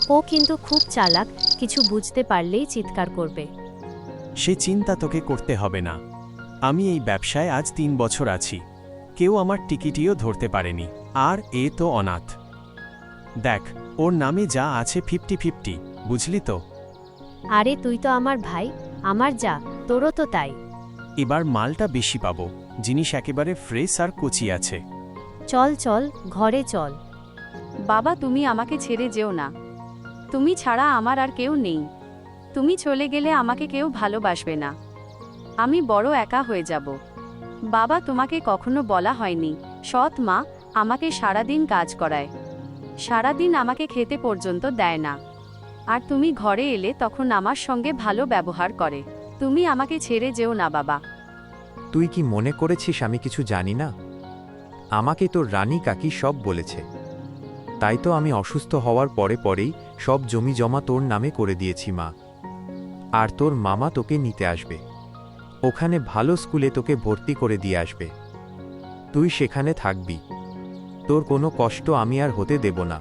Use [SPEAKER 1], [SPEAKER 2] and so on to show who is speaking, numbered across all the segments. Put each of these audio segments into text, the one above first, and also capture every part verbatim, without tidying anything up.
[SPEAKER 1] ও কিন্তু খুব চালাক, কিছু বুঝতে পারলেই চিৎকার করবে।
[SPEAKER 2] সে চিন্তা তোকে করতে হবে না। আমি এই ব্যবসায় আজ তিন বছর আছি, কেউ আমার টিকিটিও ধরতে পারেনি। আর এ তো অনাথ। দেখ, ওর নামে যা আছে ফিফটি ফিফটি, বুঝলি তো?
[SPEAKER 1] আরে তুই তো আমার ভাই, আমার যা, তোরও তো তাই।
[SPEAKER 2] এবার মালটা বেশি পাবো, জিনিস একেবারে ফ্রেশ আর কচি আছে।
[SPEAKER 1] চল চল, ঘরে চল।
[SPEAKER 3] বাবা, তুমি আমাকে ছেড়ে যেও না। তুমি ছাড়া আমার আর কেউ নেই। তুমি চলে গেলে আমাকে কেউ ভালোবাসবে না। আমি বড় একা হয়ে যাব। বাবা, তোমাকে কখনো বলা হয়নি, সৎ মা আমাকে সারাদিন কাজ করায়, সারাদিন আমাকে খেতে পর্যন্ত দেয় না। আর তুমি ঘরে এলে তখন আমার সঙ্গে ভালো ব্যবহার করে। তুমি আমাকে ছেড়ে যেও না বাবা।
[SPEAKER 4] তুই কি মনে করেছিস আমি কিছু জানি না? আমাকে তোর রানী কাকি সব বলেছে। তাই তো আমি অসুস্থ হওয়ার পরে পরেই সব জমি জমা তোর নামে করে দিয়েছি মা। আর তোর মামা তোকে নিতে আসবে, ওখানে ভালো স্কুলে তোকে ভর্তি করে দিয়ে আসবে। তুই সেখানে থাকবি, তোর কোনো কষ্ট আমি আর হতে দেব না।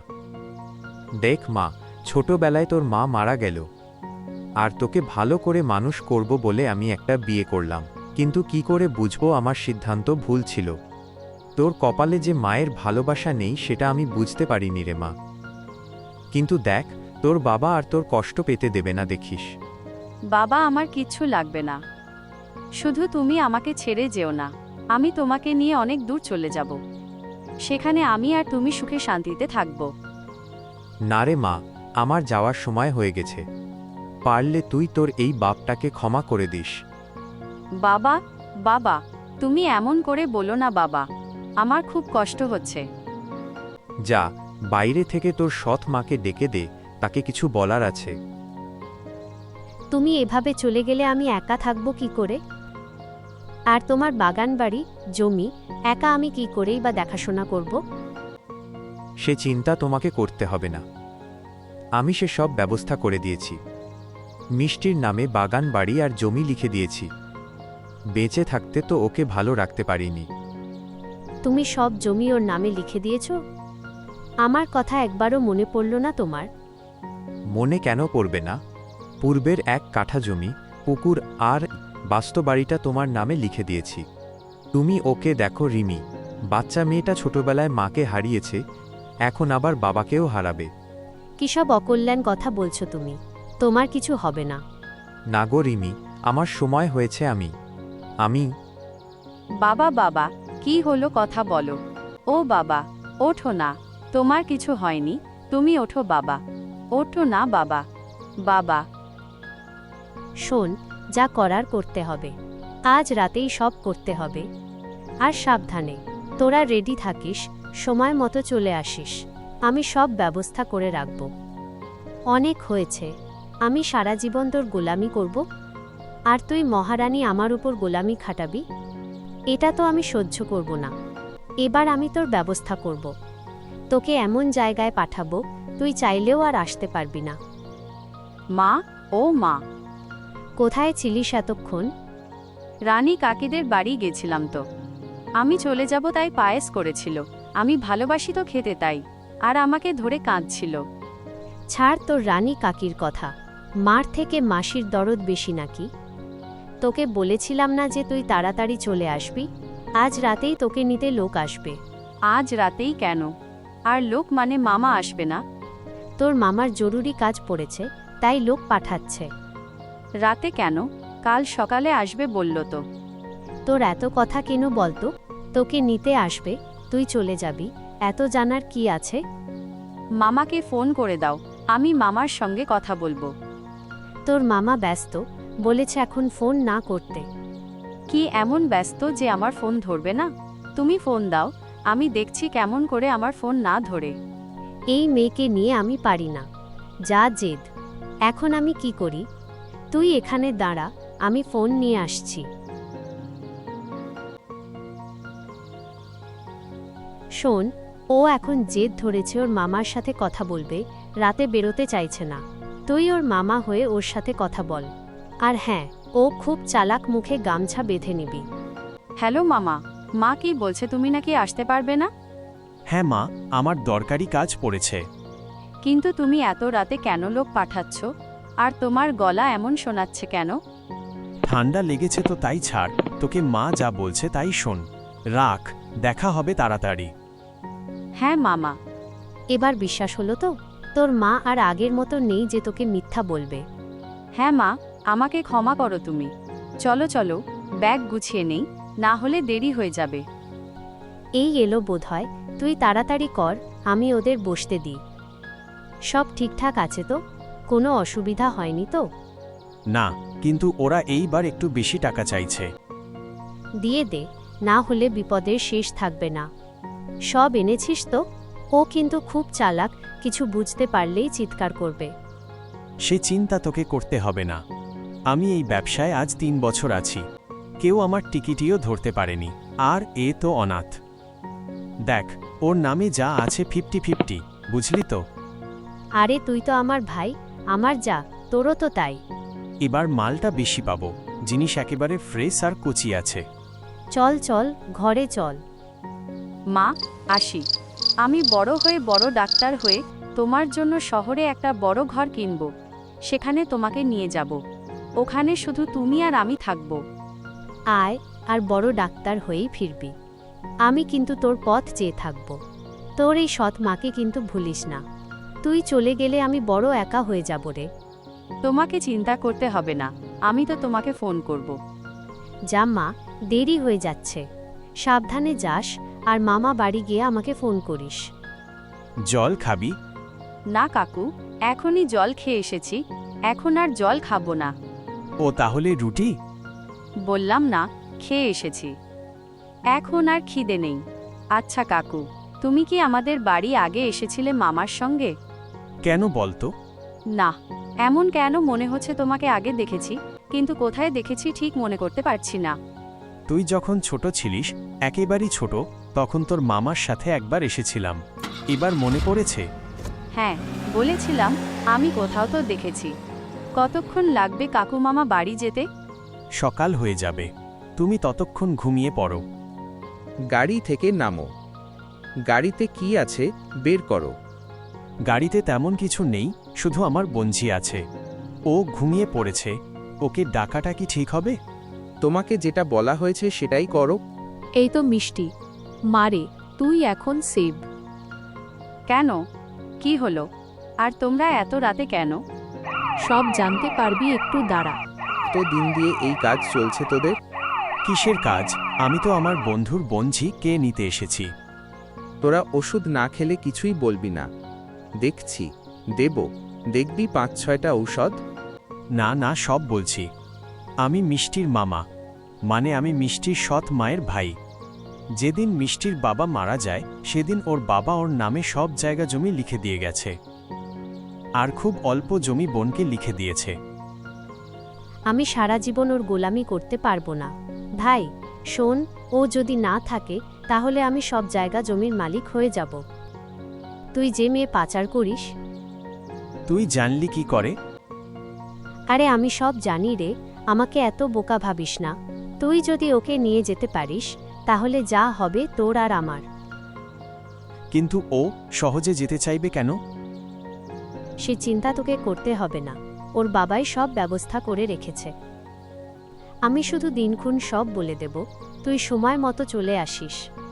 [SPEAKER 4] দেখ মা, ছোটবেলায় তোর মা মারা গেল, আর তোকে ভালো করে মানুষ করব বলে আমি একটা বিয়ে করলাম। কিন্তু কি করে বুঝবো আমার সিদ্ধান্ত ভুল ছিল? তোর কপালে যে মায়ের ভালোবাসা নেই সেটা আমি বুঝতে পারিনি রে মা। কিন্তু দেখ, তোর বাবা আর তোর কষ্ট পেতে দেবে না, দেখিস।
[SPEAKER 3] বাবা, আমার কিচ্ছু লাগবে না, শুধু তুমি আমাকে ছেড়ে যেও না। আমি তোমাকে নিয়ে অনেক দূর চলে যাব, সেখানে আমি আর তুমি সুখে শান্তিতে থাকব।
[SPEAKER 4] না রে মা, আমার যাওয়ার সময় হয়ে গেছে। পারলে তুই তোর এই বাপটাকে ক্ষমা করে দিস।
[SPEAKER 3] বাবা, বাবা, তুমি এমন করে বলো না বাবা, আমার খুব কষ্ট হচ্ছে।
[SPEAKER 4] যা, বাইরে থেকে তোর সৎ মাকে ডেকে দে, তাকে কিছু বলার আছে।
[SPEAKER 1] তুমি এভাবে চলে গেলে আমি একা থাকবো কি করে? আর তোমার বাগান বাড়ি, জমি, একা আমি কি করেই বা দেখাশোনা করব?
[SPEAKER 4] সে চিন্তা তোমাকে করতে হবে না, আমি সে সব ব্যবস্থা করে দিয়েছি। মিষ্টির নামে বাগান বাড়ি আর জমি লিখে দিয়েছি। বেঁচে থাকতে তো ওকে ভালো রাখতে পারিনি।
[SPEAKER 1] তুমি সব জমি ওর নামে লিখে দিয়েছ? আমার কথা একবারও মনে পড়ল না তোমার?
[SPEAKER 4] মনে কেন পড়বে না? পূর্বের এক কাঠা জমি, পুকুর আর বাস্তবাড়িটা তোমার নামে লিখে দিয়েছি। তুমি ওকে দেখো রিমি, বাচ্চা মেয়েটা ছোটবেলায় মাকে হারিয়েছে, এখন আবার বাবাকেও হারাবে।
[SPEAKER 1] কিসব অকল্যাণ কথা বলছো তুমি? তোমার কিছু হবে না।
[SPEAKER 4] না গো রিমি, আমার সময় হয়েছে। আমি আমি
[SPEAKER 3] বাবা, বাবা, কি হলো, কথা বলো। ও বাবা, ওঠো না, তোমার কিছু হয়নি, তুমি ওঠো বাবা, ওঠো না বাবা। বাবা,
[SPEAKER 1] শোন, যা করার করতে হবে, আজ রাতেই সব করতে হবে। আর সাবধানে, তোরা রেডি থাকিস, সময় মতো চলে আসিস। আমি সব ব্যবস্থা করে রাখব। অনেক হয়েছে, আমি সারা জীবন তোর গোলামি করব, আর তুই মহারানী আমার উপর গোলামি খাটাবি? এটা তো আমি সহ্য করব না। এবার আমি তোর ব্যবস্থা করব, তোকে এমন জায়গায় পাঠাবো তুই চাইলেও আর আসতে পারবি না।
[SPEAKER 3] মা, ও মা,
[SPEAKER 1] কোথায় ছিলিস এতক্ষণ?
[SPEAKER 3] রানী কাকিদের বাড়ি গেছিলাম তো। আমি চলে যাব তাই পায়েস করেছিল, আমি ভালোবাসি তো খেতে, তাই আর আমাকে ধরে কাঁদছিল।
[SPEAKER 1] ছাড় তোর রানী কাকির কথা, মার থেকে মাসির দরদ বেশি নাকি? তোকে বলেছিলাম না যে তুই তাড়াতাড়ি চলে আসবি? আজ রাতেই তোকে নিতে লোক আসবে।
[SPEAKER 3] আজ রাতেই কেন? আর লোক মানে মামা আসবে না?
[SPEAKER 1] তোর মামার জরুরি কাজ পড়েছে, তাই লোক পাঠাচ্ছে।
[SPEAKER 3] রাতে কেন? কাল সকালে আসবে বলল তো।
[SPEAKER 1] তোর এত কথা কেন বলতো? তোকে নিতে আসবে, তুই চলে যাবি, এত জানার কি আছে?
[SPEAKER 3] মামাকে ফোন করে দাও, আমি মামার সঙ্গে কথা বলবো।
[SPEAKER 1] তোর মামা ব্যস্ত, বলেছে এখন ফোন না করতে।
[SPEAKER 3] কি এমন ব্যস্ত যে আমার ফোন ধরবে না? তুমি ফোন দাও, আমি দেখছি কেমন করে আমার ফোন না ধরে।
[SPEAKER 1] এই মেয়েকে নিয়ে আমি পারি না, যা জেদ। এখন আমি কি করি? তুই এখানে দাঁড়া, আমি ফোন নিয়ে আসছি। শোন, ও এখন জেদ ধরেছে ওর মামার সাথে কথা বলবে, রাতে বেরোতে চাইছে না। তুই ওর মামা হয়ে ওর সাথে কথা বল। আর হ্যাঁ, ও খুব চালাক, মুখে গামছা বেঁধে নিবি।
[SPEAKER 3] হ্যালো মামা, মা কি বলছে, তুমি নাকি আসতে পারবে না?
[SPEAKER 2] হ্যাঁ মা, আমার দরকারি কাজ পড়েছে।
[SPEAKER 3] কিন্তু তুমি এত রাতে কেন লোক পাঠাচ্ছ আর তোমার গলা এমন শোনাচ্ছে কেন?
[SPEAKER 2] ঠান্ডা লেগেছে তো তাই ছাড়, তোকে মা যা বলছে তাই শোন। রাখ, দেখা হবে তাড়াতাড়ি।
[SPEAKER 3] হ্যাঁ মামা।
[SPEAKER 1] এবার বিশ্বাস হলো তো? তোর মা আর আগের মতো নেই যে তোকে মিথ্যা বলবে।
[SPEAKER 3] হ্যাঁ মা, আমাকে ক্ষমা করো তুমি। চলো চলো, ব্যাগ গুছিয়ে নেই, না হলে দেরি হয়ে যাবে।
[SPEAKER 1] এই এলো বোধহয়, তুই তাড়াতাড়ি কর, আমি ওদের বসতে দিই। সব ঠিকঠাক আছে তো? কোনো অসুবিধা হয়নি তো?
[SPEAKER 2] না, কিন্তু ওরা এইবার একটু বেশি টাকা চাইছে।
[SPEAKER 1] দিয়ে দে, না হলে বিপদের শেষ থাকবে না। সব এনেছিস তো? ও কিন্তু খুব চালাক, কিছু বুঝতে পারলেই চিৎকার করবে।
[SPEAKER 2] সে চিন্তা তোকে করতে হবে না। আমি এই ব্যবসায় আজ তিন বছর আছি, কেউ আমার টিকিটিও ধরতে পারেনি। আর এ তো অনাথ। দেখ, ওর নামে যা আছে ফিফটি ফিফটি, বুঝলি তো?
[SPEAKER 1] আরে তুই তো আমার ভাই, আমার যা, তোরও তো তাই।
[SPEAKER 2] এবার মালটা বেশি পাবো, জিনিস একেবারে ফ্রেশ আর কচি আছে।
[SPEAKER 1] চল চল, ঘরে চল।
[SPEAKER 3] মা, আসি। আমি বড় হয়ে বড় ডাক্তার হয়ে তোমার জন্য শহরে একটা বড় ঘর কিনব, সেখানে তোমাকে নিয়ে যাব। ওখানে শুধু তুমি আর আমি থাকব।
[SPEAKER 1] আয়, আর বড় ডাক্তার হয়েই ফিরবি। আমি কিন্তু তোর পথ চেয়ে থাকব। তোর এই সৎ মাকে কিন্তু ভুলিস না। তুই চলে গেলে আমি বড় একা হয়ে যাব রে।
[SPEAKER 3] তোমাকে চিন্তা করতে হবে না, আমি তো তোমাকে ফোন করব।
[SPEAKER 1] যা মা, দেরি হয়ে যাচ্ছে। সাবধানে যাস, আর মামা বাড়ি গিয়ে আমাকে ফোন করিস।
[SPEAKER 2] জল খাবি?
[SPEAKER 3] না কাকু, এখনই জল খেয়ে এসেছি, এখন আর জল খাবো না।
[SPEAKER 2] ও তাহলে রুটি?
[SPEAKER 3] বললাম না, খেয়ে এসেছি, এখন আর খিদে নেই। আচ্ছা কাকু, তুমি কি আমাদের বাড়ি আগে এসেছিলে মামার সঙ্গে?
[SPEAKER 2] কেন বলতো?
[SPEAKER 3] না, এমন কেন মনে হচ্ছে তোমাকে আগে দেখেছি, কিন্তু কোথায় দেখেছি ঠিক মনে করতে পারছি না।
[SPEAKER 2] তুই যখন ছোট ছিলিস, একেবারেই ছোট, তখন তোর মামার সাথে একবার এসেছিলাম। এবার মনে পড়েছে?
[SPEAKER 3] হ্যাঁ, বলেছিলাম, আমি কোথাও তো দেখেছি। কতক্ষণ লাগবে কাকু মামা বাড়ি যেতে?
[SPEAKER 2] সকাল হয়ে যাবে, তুমি ততক্ষণ ঘুমিয়ে পড়ো।
[SPEAKER 5] গাড়ি থেকে নামো। গাড়িতে কি আছে বের করো।
[SPEAKER 2] গাড়িতে তেমন কিছু নেই, শুধু আমার বঞ্জি আছে। ও ঘুমিয়ে পড়েছে, ওকে ডাকাটা কি ঠিক হবে?
[SPEAKER 5] তোমাকে যেটা বলা হয়েছে সেটাই করো।
[SPEAKER 6] এই তো মিষ্টি, মারে, তুই এখন সেভ।
[SPEAKER 3] কেন? কি হলো? আর তোমরা এত রাতে কেন?
[SPEAKER 6] সব জানতে পারবি, একটু দাঁড়া।
[SPEAKER 5] তো দিন দিয়ে এই কাজ চলছে তোদের?
[SPEAKER 2] কিসের কাজ? আমি তো আমার বন্ধুর বঞ্জি কে নিতে এসেছি।
[SPEAKER 5] তোরা ওষুধ না খেলে কিছুই বলবি না। দেখছি, দেব, দেখবি পাঁচ ছয়টা ঔষধ।
[SPEAKER 2] না না, সব বলছি। আমি মিষ্টির মামা, মানে আমি মিষ্টির সৎ মায়ের ভাই। যেদিন মিষ্টির বাবা মারা যায়, সেদিন ওর বাবা ওর নামে সব জায়গা জমি লিখে দিয়ে গেছে, আর খুব অল্প জমি বোনকে লিখে দিয়েছে।
[SPEAKER 1] আমি সারা জীবন ওর গোলামি করতে পারবো না। ভাই শোন, ও যদি না থাকে তাহলে আমি সব জায়গা জমির মালিক হয়ে যাব। তুই যে মেয়ে পাচার করিস।
[SPEAKER 2] তুই জানলি কি করে?
[SPEAKER 1] আরে আমি সব জানি রে, আমাকে এত বোকা ভাবিস না। তুই যদি ওকে নিয়ে যেতে পারিস, তাহলে যা হবে তোর আর আমার।
[SPEAKER 2] কিন্তু ও সহজে যেতে চাইবে কেন?
[SPEAKER 1] সে চিন্তা তোকে করতে হবে না, ওর বাবাই সব ব্যবস্থা করে রেখেছে। আমি শুধু দিনক্ষণ সব বলে দেব, তুই সময় মতো চলে আসিস।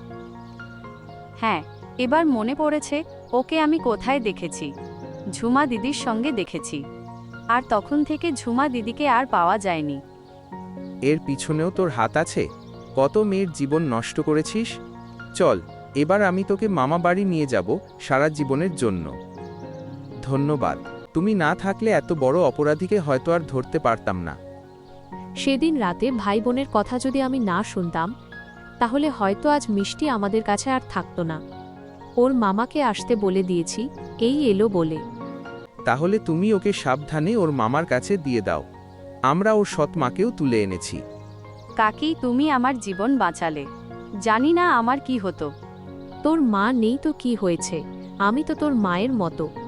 [SPEAKER 3] হ্যাঁ, এবার মনে পড়েছে, ওকে আমি কোথায় দেখেছি। ঝুমা দিদির সঙ্গে দেখেছি, আর তখন থেকে ঝুমা দিদিকে আর পাওয়া যায়নি।
[SPEAKER 5] এর পিছনেও তোর হাত আছে? কত মেয়ের জীবন নষ্ট করেছিস। চল, এবার আমি তোকে মামা বাড়ি নিয়ে যাব সারা জীবনের জন্য। ধন্যবাদ, তুমি না থাকলে এত বড় অপরাধীকে হয়তো আর ধরতে পারতাম না।
[SPEAKER 6] সেদিন রাতে ভাই বোনের কথা যদি আমি না শুনতাম, তাহলে হয়তো আজ মিষ্টি আমাদের কাছে আর থাকতো না। ওর মামাকে আসতে বলে দিয়েছি, এই এলো বলে।
[SPEAKER 5] তাহলে তুমি ওকে সাবধানে ওর মামার কাছে দিয়ে দাও। আমরা ওর সৎ মাকেও তুলে এনেছি।
[SPEAKER 3] কাকি, তুমি আমার জীবন বাঁচালে, জানি না আমার কি হতো।
[SPEAKER 6] তোর মা নেই তো কি হয়েছে, আমি তো তোর মায়ের মতো।